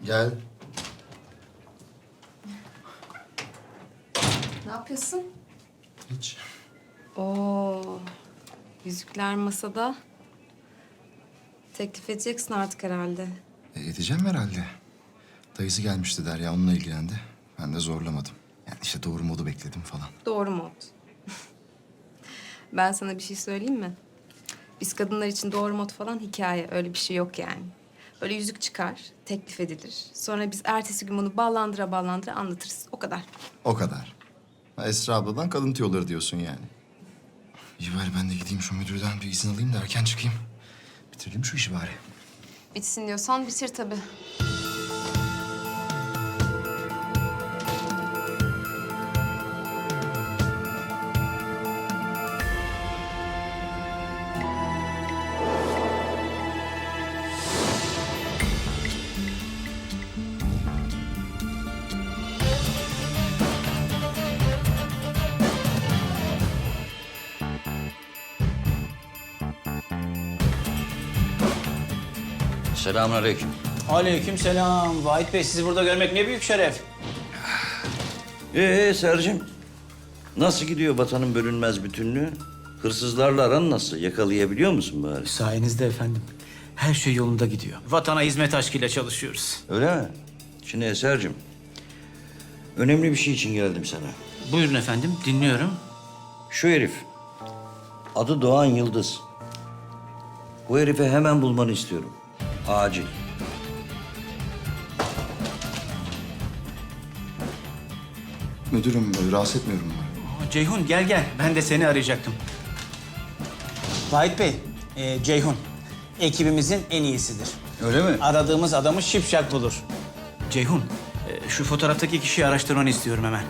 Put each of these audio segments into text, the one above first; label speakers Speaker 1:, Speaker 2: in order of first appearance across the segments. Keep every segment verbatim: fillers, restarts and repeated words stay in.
Speaker 1: Gel.
Speaker 2: Ne yapıyorsun?
Speaker 1: Hiç.
Speaker 2: Oo, yüzükler masada. Teklif edeceksin artık herhalde.
Speaker 1: E, edeceğim herhalde. Dayısı gelmişti Derya, onunla ilgilendi. Ben de zorlamadım. Yani işte doğru modu bekledim falan.
Speaker 2: Doğru mu oldu? Ben sana bir şey söyleyeyim mi? Biz kadınlar için doğru mod falan hikaye. Öyle bir şey yok yani. Böyle yüzük çıkar, teklif edilir. Sonra biz ertesi gün bunu ballandıra ballandıra anlatırız. O kadar.
Speaker 1: O kadar. Ha, Esra abladan kadın tüyoları diyorsun yani. İyi bari ben de gideyim şu müdürden bir izin alayım da erken çıkayım. Bitirelim şu işi bari.
Speaker 2: Bitsin diyorsan bitir tabii.
Speaker 3: Selamünaleyküm.
Speaker 4: Aleykümselam. Vahit Bey, sizi burada görmek ne büyük şeref.
Speaker 3: Ee Sercim, nasıl gidiyor vatanın bölünmez bütünlüğü? Hırsızlarla aran nasıl? Yakalayabiliyor musun bari?
Speaker 4: Sayenizde efendim. Her şey yolunda gidiyor. Vatana hizmet aşkıyla çalışıyoruz.
Speaker 3: Öyle mi? Şimdi Eser'cim, önemli bir şey için geldim sana.
Speaker 4: Buyurun efendim, dinliyorum.
Speaker 3: Şu herif, adı Doğan Yıldız. Bu herifi hemen bulmanı istiyorum. Acil.
Speaker 1: Müdürüm, e, rahatsız etmiyorum umarım.
Speaker 4: Aa, Ceyhun gel gel. Ben de seni arayacaktım. Vahit Bey, e, Ceyhun ekibimizin en iyisidir.
Speaker 3: Öyle mi?
Speaker 4: Aradığımız adamı şipşak bulur. Ceyhun, e, şu fotoğraftaki kişiyi araştırmanı istiyorum hemen.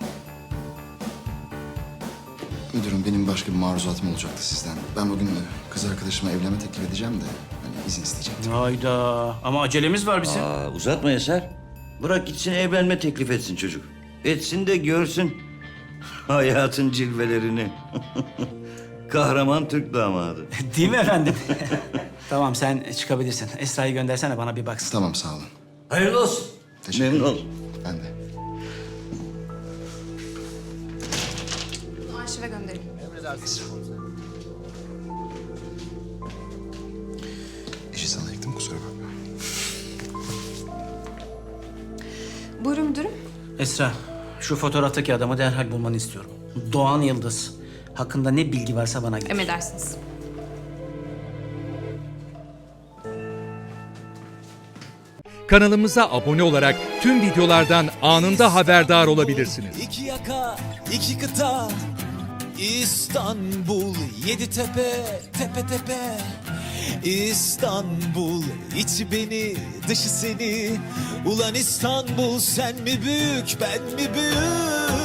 Speaker 1: Müdürüm, benim başka bir maruzatım olacaktı sizden. Ben bugün e, kız arkadaşıma evlenme teklif edeceğim de hani izin isteyecektim.
Speaker 4: Hayda. Ama acelemiz var bizim.
Speaker 3: Aa, uzatma Eser. Bırak gitsin evlenme teklif etsin çocuk. Etsin de görsün hayatın cilvelerini. Kahraman Türk damadı.
Speaker 4: Değil mi efendim? Tamam, sen çıkabilirsin. Esra'yı göndersene, bana bir baksın.
Speaker 1: Tamam, sağ olun.
Speaker 3: Hayırlı olsun.
Speaker 1: Teşekkür
Speaker 3: Memnun
Speaker 1: ederim.
Speaker 3: oldum.
Speaker 1: Ben de.
Speaker 2: Bunu arşive gönderelim.
Speaker 1: İşi sana yıktım, kusura bakma.
Speaker 2: Buyurun müdürüm.
Speaker 4: Esra, şu fotoğraftaki adamı derhal bulmanı istiyorum. Doğan Yıldız. Hakkında ne bilgi varsa bana getir.
Speaker 2: Emredersiniz.
Speaker 5: Kanalımıza abone olarak tüm videolardan anında haberdar olabilirsiniz.
Speaker 6: İki yaka, iki kıta, İstanbul, yedi tepe, tepe tepe. İstanbul, içi beni, dışı seni. Ulan İstanbul, sen mi büyük, ben mi büyük?